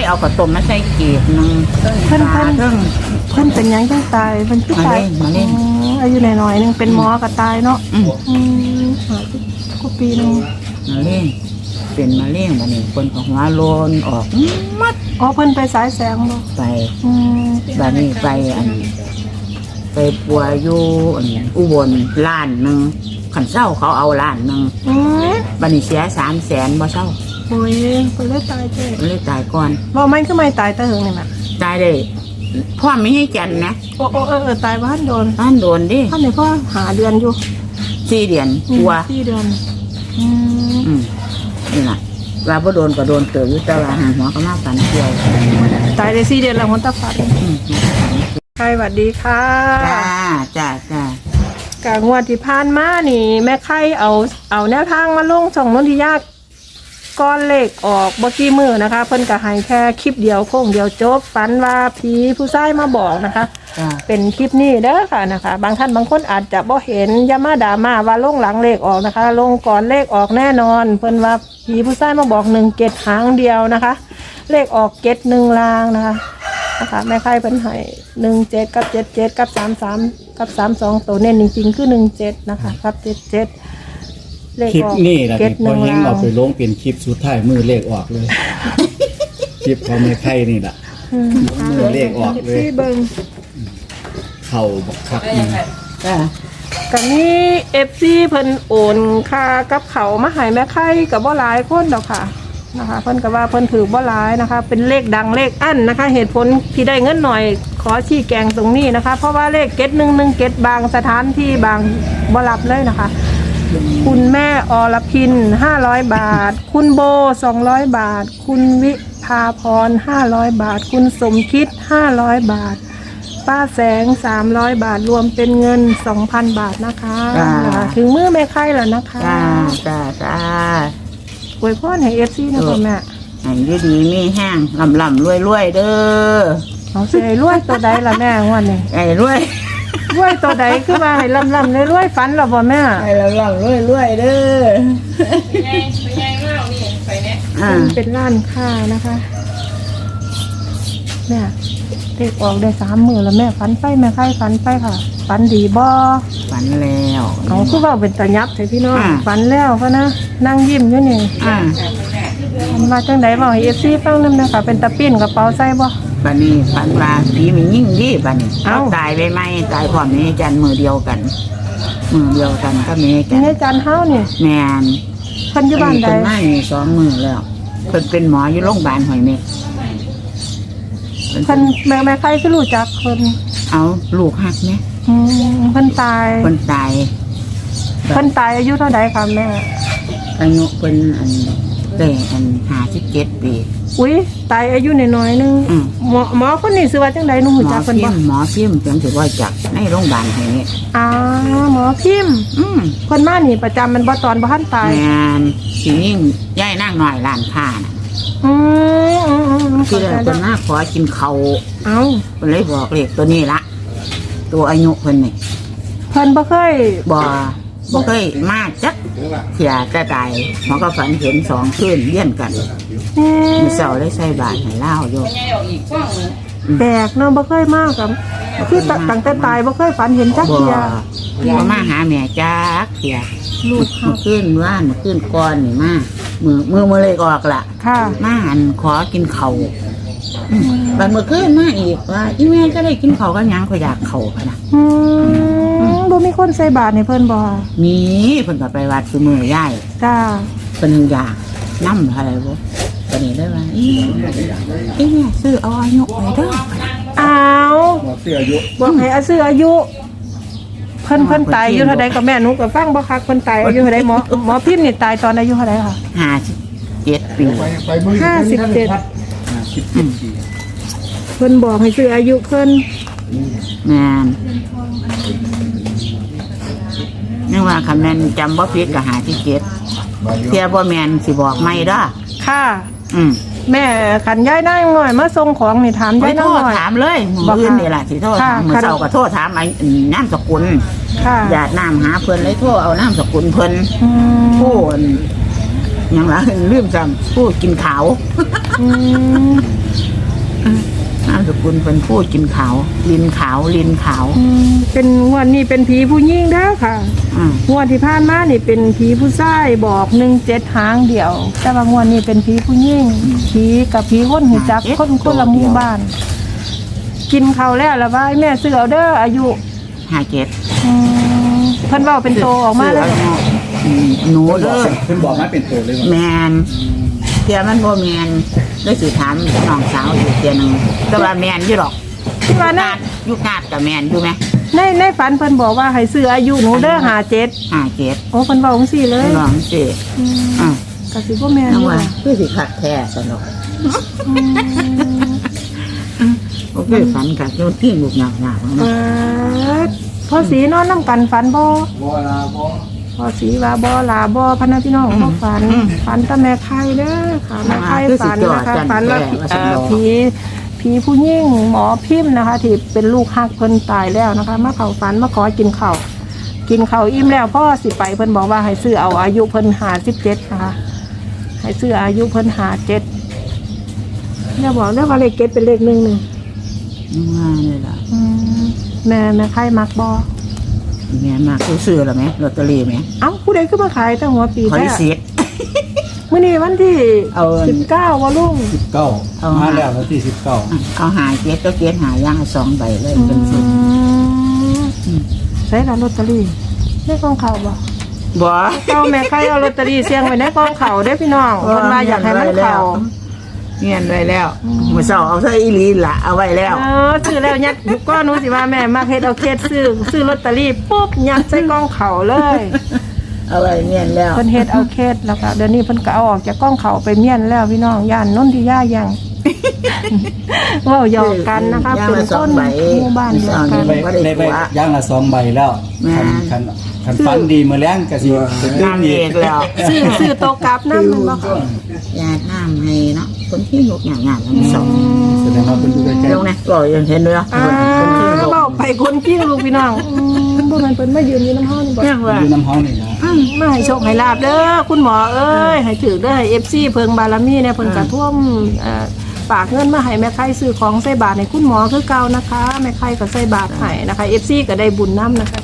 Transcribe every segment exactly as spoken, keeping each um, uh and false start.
เอากระต้มมาใส่เกล็ดนึงเพิ่นเพิ่นเพิ่นเพิ่นเป็นยังจังตายเพิ่นคือตายอายุน้อยๆนึงเป็นหมอก็ตายเนาะอืมอืมก็ปีนึงมะเร็งเป็นมะเร็งบัดนี้คนก็หัวโลนออกมัดอ๋อเพิ่นไปสายแสงบ่ไปอืมบัดนี้ไปอันไปปัวอยู่อันอุบลล้านนึงขันเศร้าเขาเอาล้านนึงอืมบัดนี้เสียสามแสนบ่เศร้าโอ้ยเพิ่นเลยตายเจ้เลยตายก่อนบ่มันคือไม่ตายแต่หึงนี่แหละตายได้พ่อไม่ให้จันนะโอ้โอ้เออเออตายบ้านโดนบ้านโดนดิบ้านนี่พ่อหาเดือนอยู่สี่เดือนกลัวสี่เดือนอืมอืมนี่แหละว่าบ่โดนก็โดนเติบอยู่แต่ว่าหางหัวก็มาฝันเกี่ยวตายได้สี่เดือนแล้วหัวตาฟันใครสวัสดีค่ะจ้าจ้าจ้ากางวดที่ผ่านมานี่แม่ไข่เอาเอาแนวทางมาลงช่องนนทิยาก้อนเลขออกบ่กี่มือนะคะเพิ่นก็ให้แค่คลิปเดียวโค้งเดียวจบฝันว่าผีผู้ชายมาบอกนะคะเป็นคลิปนี้เด้อค่ะนะคะบางท่านบางคนอาจจะบ่เห็นอย่ามาด่ามาว่าลงหลังเลขออกนะคะลงก่อนเลขออกแน่นอนเพิ่นว่าผีผู้ชายมาบอกหนึ่งเกตหางเดียวนะคะเลขออกเกตหนึ่งลางนะคะนะคะแม่ไข่เพิ่นให้หนึ่งเจ็ดกับเจ็ดเจ็ดกับสามสามกับสามสองตัวเน้นจริงๆคือหนึ่งเจ็ดนะคะกับเจ็ดเจ็ดคลิปนี้แหละที่พอเฮงเอาไปลงเป็นคลิปสุดท้ายมือเลขออกเลยคลิปของแม่ไข่นี่แหละมือเลขออกเลยเข่าบักคักนี่กันนี้เอฟซีเพิ่นโอนค่ากับเขามาให้แม่ไข่กับบ่หลายคนดอกค่ะนะคะเพิ่นก็ว่าเพิ่นถือบ่หลายนะคะเป็นเลขดังเลขอั้นนะคะเหตุผลที่ได้เงินหน่อยขอชี้แจงตรงนี้นะคะเพราะว่าเลขเก็ตหนึ่งหนึ่งเก็ตบางสถานที่บางบ่รับเลยนะคะคุณแม่อรพินห้าร้อยบาทคุณโบสองร้อยบาทคุณวิภาพรห้าร้อยบาทคุณสมคิดห้าร้อยบาทป้าแสงสามร้อยบาทรวมเป็นเงินสองพันบาทนะคะถึงมือแม่ไข่แล้วนะคะจ้าจ้าจ้าอวยพรให้เอฟซีนะคุณแม่ให้ดีดีมีแห้งลำลำรวยรวยเด้อเอาสิให้รวยตัวใดล่ะแม่วันนี้ให้รวยรวยตัวใดคือว่าให้ลำลำรวยฝันหรอบ่แม่ให้ลำลำรวยรวยเด้อไปไงไปไงมากนี่ไปเนี่ยเป็นร้านค้านะคะแม่เด็กออกได้สามมือแล้วแม่ฝันไปแม่ไข่ฝันไปค่ะฝันดีบ่ฝันแล้วเอาคือว่าเป็นตะยับใช่พี่น้องฝันแล้วก็นะนั่งยิ้มอยู่นี่มาจังไดบอกให้เอฟซีฟังนำนะคะเป็นตะปิ้นกระเป๋าใส่บ่บัดนี้ฝันว่าผีมันยิ่งดีบัดนี้เขาตายไปไหมตายพร้อมนี้จันมือเดียวกันมือเดียวกันก็มีจันนี่จันเฮานี่แม่นเพิ่นอยู่บ้านใดเพิ่นมาอยู่สองมือแล้วเพิ่นเป็นหมออยู่โรงพยาบาลหอยเม็ดเพิ่นแม่แม่ใครคือรู้จักเพิ่นเอาลูกหักเนี่ยอืมเพิ่นตายเพิ่นตายเพิ่นตายอายุเท่าใดคะแม่อายุเพิ่นอันแต่อันห้าสิบเจ็ดปีอุ้ยตายอายุน้อยๆนึงหมอหมอคนนี้ชื่อว่าจังได๋หนูรู้จักเพิ่นบ่หมอพิมพ์จังสิว่าจักในโรงพยาบาลแห่งนี้อ๋อหมอพิมพ์อืมเพิ่นมานี่ประจำมันบ่ตอนบ่ทันตายแม่นสิยิ่งย้ายนางน้อยร้านค้าน่ะอืมๆคือเพิ่นมาขอกินข้าวเอ้าเพิ่นเลยบอกเลขตัวนี้ละตัวอายุเพิ่นนี่เพิ่นบ่เคยบ่บ่เคยมาจักเสียแต่ตายหมอก็ฝันเห็นสองคืนเลี้ยนกันมีเสาได้ใส่บาตรให้เล่าโยแปลกเนาะบ่เคยมากกับคือตั้งแต่ตายบ่เคยฝันเห็นจักเสียบ่มาหาแม่จักเสียลูกเมื่อคืนว่านเมื่อคืนก่อนนี่มามือมือมือเลยออกล่ะมาหันขอกินเข่าบัดเมื่อคืนมาอีกว่าอีแม่ก็ได้กินเข่าก็ยังก็อยากเข่าพะนะบ่มีคนใส่บาตรให้เพิ่นบ่มีเพิ่นก็ไปวัดซุมื้อย่ายจ้าเพิ่นอยากนำอะไรบ่ปานนี้ได้ว่าอีอีแม่ซื้อเอาอายุไปเด้ออ้าวบ่ซื้ออายุบ่ให้อาซื้ออายุเพิ่นเพิ่นตายอายุเท่าใดก็แม่หนูก็ฟังบ่คักเพิ่นตายอายุเท่าใดหมอหมอพิมพ์นี่ตายตอนอายุเท่าใดค่ะห้าสิบเจ็ดปีห้าสิบเจ็ดเพิ่นบอกให้ซื้ออายุเพิ่นแม่นนึกว่าคำนั้นจำบ่ผิดก็หาที่เจ็ดเทียบ่แม่นสิบอกไม่เด้อค่ะอืมแม่ขันย้ายนั่งหน่อยมาส่งของนี่ถามย้ายนั่งหน่อยถามเลยมื้ออื่นนี่ล่ะสิโทษถามมื้อเช้าก็โทษถามไอ้นามสกุลญาตินามหาเพิ่นเลยโทรเอานามสกุลเพิ่นผู้ยังละลืมจำพูดกินขาวอืมนามสกุลเป็นพูดกินขาวลินขาวลินขาวอืมเป็นงวดนี้เป็นผีผู้หญิงเด้อค่ะอืมงวดที่ผ่านมานี่เป็นผีผู้ชายบอกหนึ่งเจ็ดหางเดียว แต่ว่างวดนี้เป็นผีผู้หญิงผีกับผีคนหูจักคนคนละหมู่บ้าน กินเขาวแล้วละว่าแม่ซื้อเอาเด้ออายุห้าเจ็ดอืมเพิ่นเว้าเป็นโตออกมาเลยอืมหนูเพิ่นบเด้อกอเพิ่นบอกมาเป็นตัวเลยว่าแมนเทียมันบ่แมนได้สิถามน้องสาวอยู่เทียหนึงแต่ว่าแมนอยู่หรอกที่ว่านานะดยุคนาดกับแมนอยู่ไหมในในฝันเพิ่นบอกว่าให้ซื้ออายุหนูเด้อหาเจ็ดห้าเจ็ดโอ้เพิ่นเว้าจังซี่เลยลองสิอืมอ่ะก็สิบ่แม่นน้อองยู่ว่าล่ะคือสิขัดแท้สนุกอืมโอเคฝันกับโยนที่ลูกหนักหนักๆเอเนาะอพ่อสีนอนนํกันฝันบ่บ่ลาบ่พ่อสีว่าบ่ลาบ่พะนะพี่น้องบ่ฝันฝันแต่แม่ไข่เด้อค่ะแม่ไข่ฝันนะคะฝันว่าเอ่อผีผีผู้หญิงหมอพิมพ์นะคะ ที่เป็นลูกฮักเพิ่นตายแล้วนะคะมาเข้าฝันมาขอกินข้าวกินข้าวอิ่มแล้วพ่อสิไปเพิ่นบอกว่าให้ซื้อเอาอายุเพิ่นห้าสิบเจ็ดนะคะให้ซื้ออายุเพิ่นห้าสิบเจ็ดอย่าบอกนะว่าเลขเจ็ดเป็นเลขหนึ่งหนึ่งนึกว่าเลยล่ะอืมแม่แม่ไข่มักบ่แม่มากซื้อหรือไหมลอตเตอรี่ไหมเอ้าผู้ใดขึ้นมาขายตั้งหัวปีขอแท้ที่สิทมื้อนี้วันที่เอาสิบเก้าวะลุงสิบเก้าเอามาแล้ววันที่สิบเก้าเอาหาเจ็ดก็เจ็ดหาย่างสองใบเลยเป็นสิบอืมใส่ละลอตเตอรี่ในกองเขาบ่บ่เจ้าแม่ใครเอาลอตเตอรี่เสี่ยงไว้ในกองเขาเด้อพี่น้องเพิ่นว่าอยากให้มันเข้าเงียนไว้แล้วมือเสาเอาใส่อีหลีละเอาไว้แล้วเออซื้อแล้วยัดก็หนูสิว่าแม่มาเฮ็ดเอาเคสซื้อซื้อลอตเตอรี่ปุ๊บยัดใส่กองเขาเลยเอาไว้เงียนแล้วเพิ่นเฮ็ดเอาเคสแล้วก็เดี๋ยวนี้เพิ่นก็เอาออกจากกองเขาไปเมียนแล้วพี่น้องย่านนนทิยายัง เว้าหยอกกันนะคะเป็นคนหมู่บ้านเดียวกันได้ใบได้ใบย่างละสองใบแล้วคันคันคันฟันดีมื้อแรงก็สิเป็นงานอีเอก กแล้วซื้อซื้อโตะกลับนำมันบ่ค่ะยาน้ำให้เนาะคนที่ยกอย่างงานทั้งสองแสดงว่าเพิ่นอยู่ใกล้ลงนะก็ยังเห็นด้วยอ่าคนที่ยกเว้าไปคนกิ้งลูกพี่น้องอืมบ่แม่นเพิ่นมายืนอยู่น้ำเฮานี่บ่ยังๆว่าอยู่น้ำเฮานี่นะมาให้โชคให้ลาบเด้อคุณหมอเอ้ยให้ถือเด้อให้ เอฟ ซี เพิงบารมีเนี่ยเพิ่นกระท่วมเอ่อฝากเงินมาให้แม่ไข่ซื้อของใส่บาตรให้คุณหมอคือเก่านะคะแม่ไข่ก็ใส่บาตรให้นะคะ เอฟ ซี ก็ได้บุญน้ำนะคะ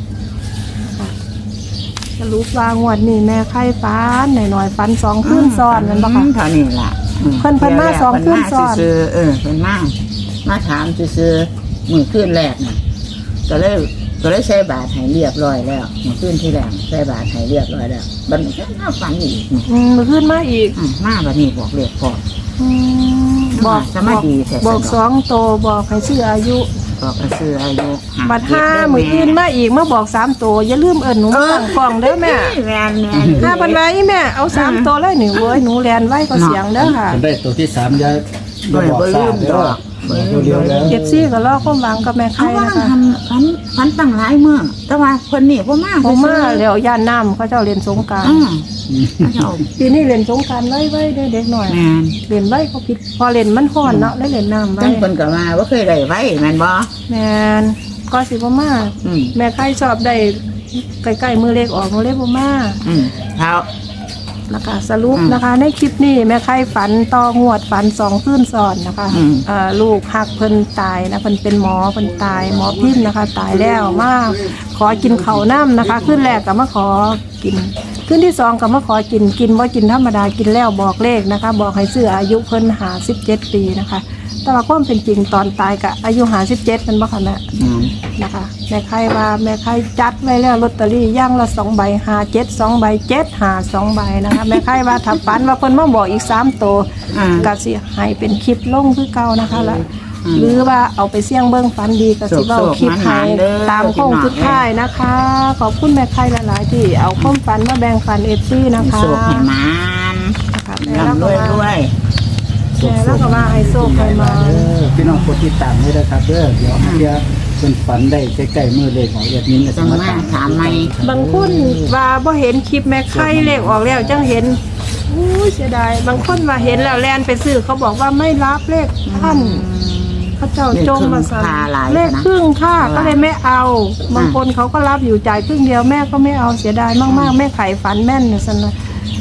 สรุปว่างวดนี้แม่ไข่ฟันหน่อยๆฟันสองคืนซ้อนนั่นบ่คะเท่านี้ล่ะเพิ่นเพิ่นมาสองคืนซ้อนเพิ่มาซื่อๆเออเพิ่นมามาถามซื่อๆมือคืนแรกน่ะก็เลยก็เลยใส่บาตรให้เรียบร้อยแล้วมือคืนที่แรกใส่บาตรให้เรียบร้อยแล้วบัดนี้ก็มาฝันอีกนี่อืมมื้อคืนมาอีกอืมมาบัดนี้บอกเรียกพออืมบอกสมาธิแท้บอกสองโตบอกให้ซื้ออายุบอกก็ซื้ออายุบัดห้ามืออื่นมาอีกมาบอกสามตัวอย่าลืมเอิญหนูมาตั้งกล่องเด้อแม่แม่นแม่นห้าพันไว้แม่เอาสามตัวเลยหนูเว้ยหนูแลนไว้ก็เสียงเด้อค่ะเพิ่นได้ตัวที่สามอย่าอย่าบ่บอกบ่สาลืมมเด้ดออกบ่ลืตัวมเดียวแล้วเจ็บซี่ก็รอความหวังกับแม่เอาไข่ว่านะคะทำฝันฝันตั้งหลายมื้อแต่ว่าเพิ่นนี่บ่มาผมมาแล้วย่านน้ำเขาเจ้าเรียนสงกรารอือเจ้าปีนี้เรียนสงกรารไว้ไว้เด้อเด็กหน่อยแม่นเรียนไว้เขาผิดพอเรียนมันฮ้อนเนาะแล้วเรียนน้ำไว้จังเพิ่นก็มาบ่เคยได้ไว้แม่นบ่แม่นก็สิบ่มาอืมแม่ไข่ชอบได้ใกล้ๆมือเล็กออกมือเล็กบ่มาอืมเท้านะคะสรุปอืมนะคะ ในคลิปนี้แม่ไข่ฝันต่องวดฝันสองคืนซ้อนนะคะอืมเอ่อลูกหักเพิ่นตายนะเพิ่นเป็นหมอเพิ่นตายหมอพิมพ์นะคะ ตายแล้วมาขอกินข้าวน้ำนะคะขึ้นแรกก็มาขอกินขึ้นที่สองก็มาขอกินกินว่ากินธรรมดากินแล้วบอกเลขนะคะ บอกให้ซื้ออายุเพิ่นหาสิบเจ็ดปีนะคะ แต่ว่าความเป็นจริงตอนตายก็อายุหาสิบเจ็ดมันบ่คะแม่อืมนะคะแม่ไข่ว่าแม่ไข่จัดไว้แล้วลอตเตอรี่ย่างละสองใบหาเจ็ดสองใบเจ็ดหาสองใบนะคะแม่ไข่ว่าถ้าฝันว่าเพิ่นมาบอกอีกสามตัวอ่าก็สิให้เป็นคลิปลงคือเก่านะคะละหรือว่าเอาไปเสี่ยงเบิ่งฝันดีก็สิเว้าคลิปให้ตามโค้งสุดท้ายนะคะ ขอบคุณแม่ไข่หลายๆที่เอาความฝันมาแบ่งปัน เอฟ ซี นะคะโชคให้มานนะคะแม่แล้วร่ำรก็วยว่ารวยแม่แล้วก็ว่าให้โชคให้มาเด้อพี่น้องกดติดตามด้วยนะครับเด้อเดี๋ยวเดี๋ยวเพิ่นฝันได้ใกล้ๆมือเลขของแอดมินก็จังมาถามใหม่บางคนว่าบ่เห็นคลิปแม่ไข่เลขออกแล้วจังเห็นอู้ยเสียดายบางคนว่าเห็นแล้วแลนไปซื้อเขาบอกว่าไม่รับเลขท่านเขาเจ้าจงมาสั่งเลขครึ่งค่าก็เลยไม่เอา บางคนเขาก็รับอยู่จ่ายครึ่งเดียวแม่ก็ไม่เอาเสียดายมากๆแม่ไข่ฝันแม่นเนี่ยสันนะ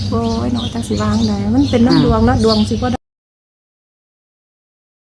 โอ้ยเนาะจักสิวางได้มันเป็นน้ำดวงเนาะดวงสิบ่ได้